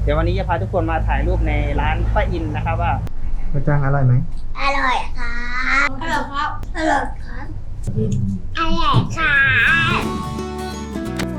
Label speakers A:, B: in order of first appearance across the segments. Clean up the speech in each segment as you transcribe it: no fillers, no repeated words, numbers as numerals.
A: เดี๋ยววันนี้จะพาทุกคนมาถ่ายรูปในร้านป้าอินนะครับว่าข้าวจ้างอร่อยไหม
B: อร่อยครับอร่อยครับอร่อยครับอร่อยครับ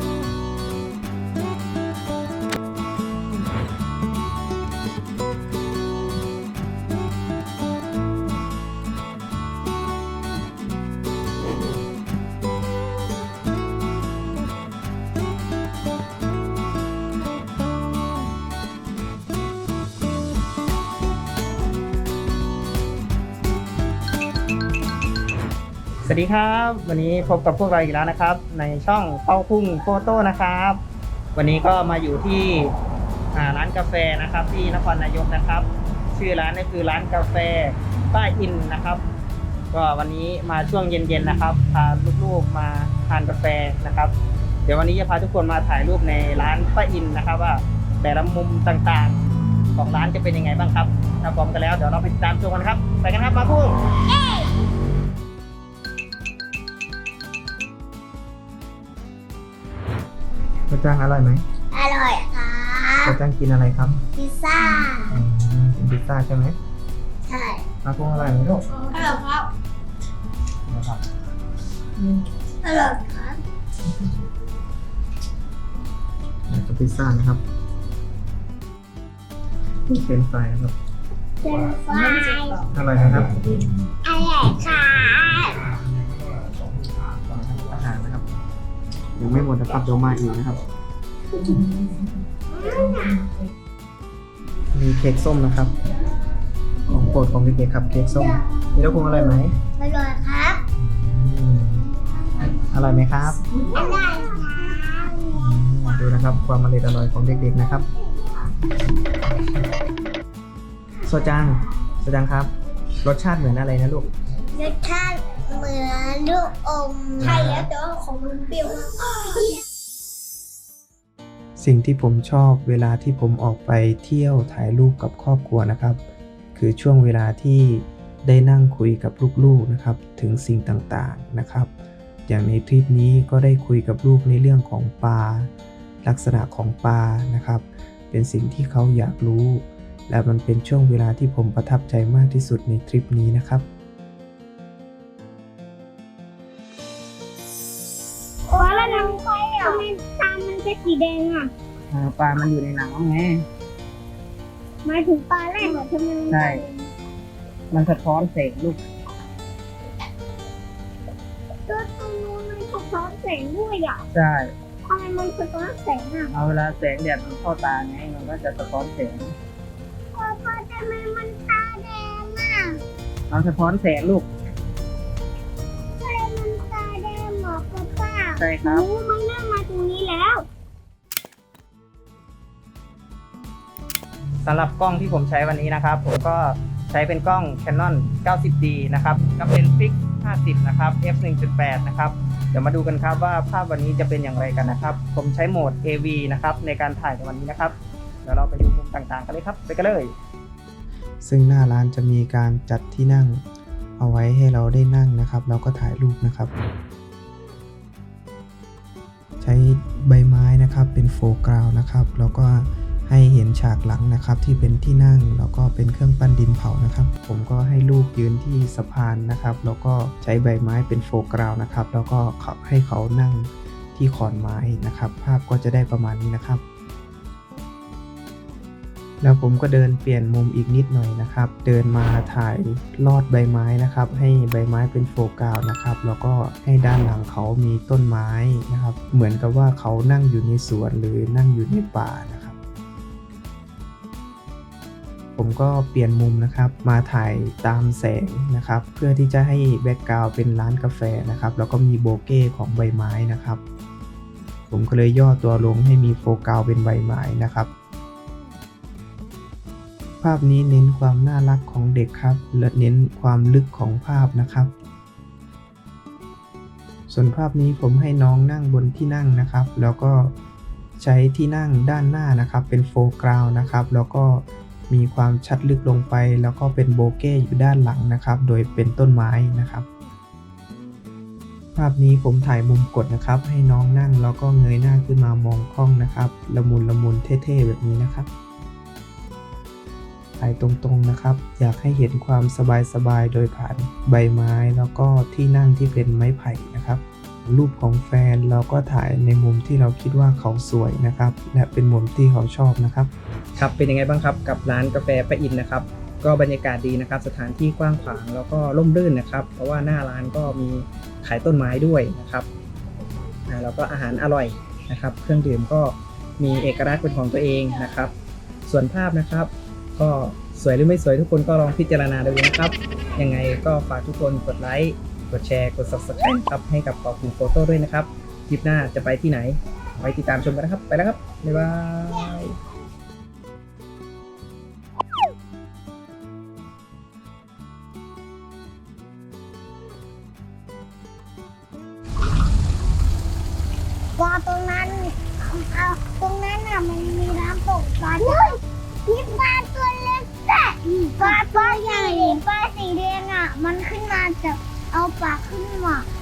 A: สวัสดีครับวันนี้พบกับพวกเราอีกแล้วนะครับในช่องเป้าพุ่งโฟโต้นะครับวันนี้ก็มาอยู่ที่ร้านกาแฟนะครับที่นครนายกนะครับชื่อร้านก็คือร้านกาแฟป้าอินนะครับก็วันนี้มาช่วงเย็นๆนะครับพาลูกๆมาทานกาแฟนะครับเดี๋ยววันนี้จะพาทุกคนมาถ่ายรูปในร้านป้าอินนะครับว่าแต่ละมุมต่างๆของร้านจะเป็นยังไงบ้างครับถ้าพร้อมกันแล้วเดี๋ยวเราไปติดตามชมกันครับไปกันครับมาพุ่งข้าวจ้างอร่อยไหม
B: อร่อยครับ
A: ข้าวจ้างกินอะไรครับ
B: พิซซ่า
A: กินพิซซ่าใช่ไหม
B: ใช่
A: มาพุ่งอร่อยไหมลูก
B: อร่อยครับ
A: นะครับ
B: อร่อยครับ
A: กับพิซซ่านะครับเป็นไฟนะครับ
B: เป็นไฟ
A: อร่อยนะครับ
B: อร่อยครับ
A: อาหารนะครับยังไม่หมดนะครับเดี๋ยวมาอีกนะครับมีเค้กส้มนะครับของโปรดของเด็กๆครับเค้กส้มนี่ลูกคงอร่อยไหม
B: อร่อยครับ
A: อร่อยไหมครับ
B: อร่อยครับ
A: ดูนะครับความอร่อยของเด็กๆนะครับโซจังครับรสชาติเหมือนอะไรนะลูก
B: รสชาติเหมือนลูกอมใช่แล้วแต่ว่าของมันเปรี้ยวมาก
C: สิ่งที่ผมชอบเวลาที่ผมออกไปเที่ยวถ่ายรูปกับครอบครัวนะครับคือช่วงเวลาที่ได้นั่งคุยกับลูกๆนะครับถึงสิ่งต่างๆนะครับอย่างในทริปนี้ก็ได้คุยกับลูกในเรื่องของปลาลักษณะของปลานะครับเป็นสิ่งที่เขาอยากรู้และมันเป็นช่วงเวลาที่ผมประทับใจมากที่สุดในทริปนี้นะครับ
B: โอ้แล้วน้ำไฟอ่ะทำไมตามันเป็นสีแดงอ่ะ
A: ปลามันอยู่ในน้ำไง
B: หมายถึงปลาแรกเหรอทำไมมัน
A: ใช่ มันสะท้อนแสงลูก
B: ตัวตรงนู้นมันสะท้อนแสงด้วยอ่ะ
A: ใช่
B: ทำไมมันสะท้อนแสงอ่ะ
A: เอาเวลาแสงแดดมันเข้าตาไงมันก็จะสะท้อนแสง
B: พ่อทำไมมันตาแดงอ่ะ
A: มันสะท้อนแสงลูก
B: ทำไมมันตาแดงเหรอป้า
A: ใช่ครับ
B: รู้มันเริ่มมาตรงนี้แล้ว
A: สำหรับกล้องที่ผมใช้วันนี้นะครับผมก็ใช้เป็นกล้อง Canon 90D นะครับกับเลนส์ฟิก 50 นะครับ f 1.8 นะครับเดี๋ยวมาดูกันครับว่าภาพวันนี้จะเป็นอย่างไรกันนะครับผมใช้โหมด AV นะครับในการถ่ายในวันนี้นะครับเดี๋ยวเราไปดูมุมต่างๆกันเลยครับไปกันเลย
C: ซึ่งหน้าร้านจะมีการจัดที่นั่งเอาไว้ให้เราได้นั่งนะครับแล้วก็ถ่ายรูปนะครับใช้ใบไม้นะครับเป็นโฟร์กราวด์นะครับแล้วก็ให้เห็นฉากหลังนะครับที่เป็นที่นั่งแล้วก็เป็นเครื่องปั้นดินเผานะครับผมก็ให้ลูกยืนที่สะพานนะครับแล้วก็ใช้ใบไม้เป็นโฟร์กราวด์นะครับแล้วก็ให้เขานั่งที่ขอนไม้นะครับภาพก็จะได้ประมาณนี้นะครับแล้วผมก็เดินเปลี่ยนมุมอีกนิดหน่อยนะครับเดินมาถ่ายลอดใบไม้นะครับให้ใบไม้เป็นโฟกัสนะครับแล้วก็ให้ด้านหลังเขามีต้นไม้นะครับเหมือนกับว่าเขานั่งอยู่ในสวนหรือนั่งอยู่ในป่านะครับผมก็เปลี่ยนมุมนะครับมาถ่ายตามแสงนะครับเพื่อที่จะให้แบ็กกราวด์เป็นร้านกาแฟนะครับแล้วก็มีโบเก้ของใบไม้นะครับผมก็เลยย่อตัวลงให้มีโฟกัสเป็นใบไม้นะครับภาพนี้เน้นความน่ารักของเด็กครับและเน้นความลึกของภาพนะครับส่วนภาพนี้ผมให้น้องนั่งบนที่นั่งนะครับแล้วก็ใช้ที่นั่งด้านหน้านะครับเป็นโฟร์กราวด์นะครับแล้วก็มีความชัดลึกลงไปแล้วก็เป็นโบเก้อยู่ด้านหลังนะครับโดยเป็นต้นไม้นะครับภาพนี้ผมถ่ายมุมกดนะครับให้น้องนั่งแล้วก็เงยหน้าขึ้นมามองกล้องนะครับละมุนเท่ๆแบบนี้นะครับถ่ายตรงๆนะครับอยากให้เห็นความสบายๆโดยผ่านใบไม้แล้วก็ที่นั่งที่เป็นไม้ไผ่นะครับรูปของแฟนเราก็ถ่ายในมุมที่เราคิดว่าเขาสวยนะครับและเป็นมุมที่เขาชอบนะครับครับเป็นยังไงบ้างครับกับร้านกาแฟป้าอินนะครับก็บรรยากาศดีนะครับสถานที่กว้างขวางแล้วก็ร่มรื่นนะครับเพราะว่าหน้าร้านก็มีขายต้นไม้ด้วยนะครับแล้วก็อาหารอร่อยนะครับเครื่องดื่มก็มีเอกลักษณ์เป็นของตัวเองนะครับส่วนภาพนะครับก็สวยหรือไม่สวยทุกคนก็ลองพิจารณาดูนะครับยังไงก็ฝากทุกคนกดไลค์กดแชร์กด Subscribe ครับให้กับปอคุงโฟโต้ด้วยนะครับคลิปหน้าจะไปที่ไหนไว้ติดตามชมกันนะครับไปแล้วครับบ๊ายบาย
B: ว่าตรงนั้นตรงนั้นน่ะมันมีน้ำตกปลาด้วยมีปลาตัวเล็กแต่ปลาตัวใหญ่ปลาสีแดงอ่ะมันขึ้นมาจากเอาปากขึ้นมา